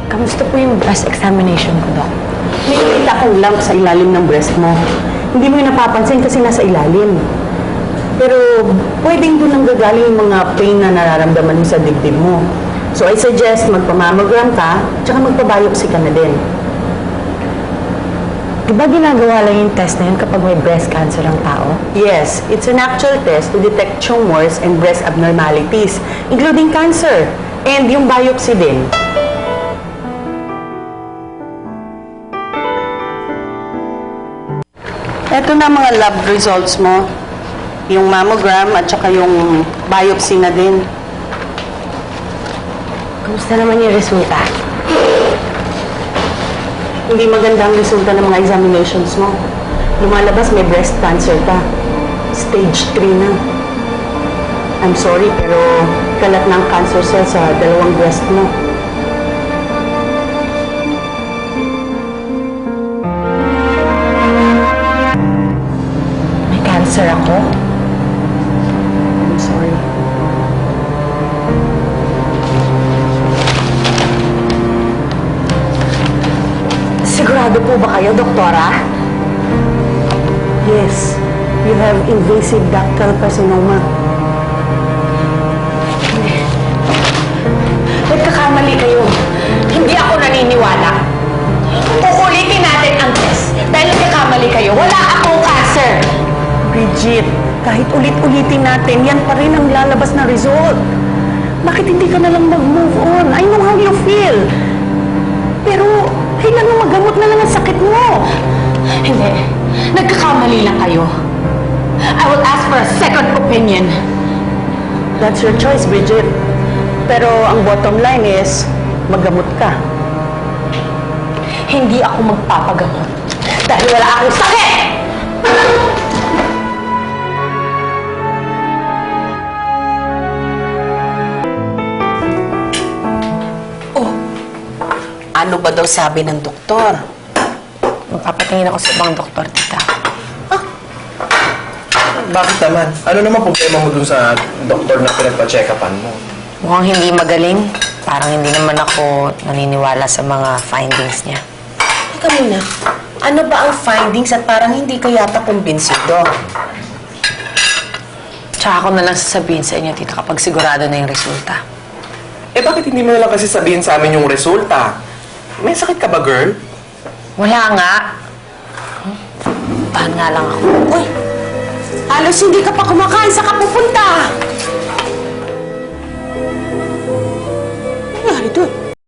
Kamusta po yung breast examination ko, Doc? May nakita kong lump sa ilalim ng breast mo. Hindi mo yung napapansin kasi nasa ilalim. Pero pwedeng doon ang gagaling yung mga pain na nararamdaman mo sa dibdib mo. So I suggest magpa-mammogram ka, tsaka magpa-biopsy ka na din. Di ba ginagawa lang yung test na yun kapag may breast cancer ang tao? Yes, it's an actual test to detect tumors and breast abnormalities, including cancer, and yung biopsy din. Ito na mga lab results mo. Yung mammogram at saka yung biopsy na din. Kamusta naman yung resulta? Hindi maganda ang resulta ng mga examinations mo. Lumalabas may breast cancer ka. Stage 3 na. I'm sorry, pero kalat na ang cancer cell sa dalawang breast mo. May cancer ako? I'm sorry. Sigurado po ba kayo, doktora? Yes, you have invasive ductal carcinoma. Nagkakamali kayo. Hindi ako naniniwala. Uulitin natin ang test. Dahil nagkakamali kayo, wala akong cancer. Bridget, kahit ulit-ulitin natin, yan pa rin ang lalabas na result. Bakit hindi ka na lang mag-move on? I know how you feel. Pero, kailangan magamot na lang ang sakit mo. Hindi. Nagkakamali lang kayo. I will ask for a second opinion. That's your choice, Bridget. Pero ang bottom line is, magamot ka. Hindi ako magpapagamot. Dahil wala akong sakit! Ano ba daw sabi ng doktor? Magpapatingin ako sa ibang doktor, tita. Bakit naman? Ano naman problema mo dun sa doktor na pinagpa-check-upan mo? Mukhang hindi magaling. Parang hindi naman ako naniniwala sa mga findings niya. Teka muna, ano ba ang findings at parang hindi ka yata kumbinsido? Tsaka ako na lang sasabihin sa inyo, tita, kapag sigurado na yung resulta. Eh bakit hindi mo na lang kasi sabihin sa amin yung resulta? May sakit ka ba, girl? Wala nga. Tahan nga lang ako. Uy, halos hindi ka pa kumakain sa kapupunta.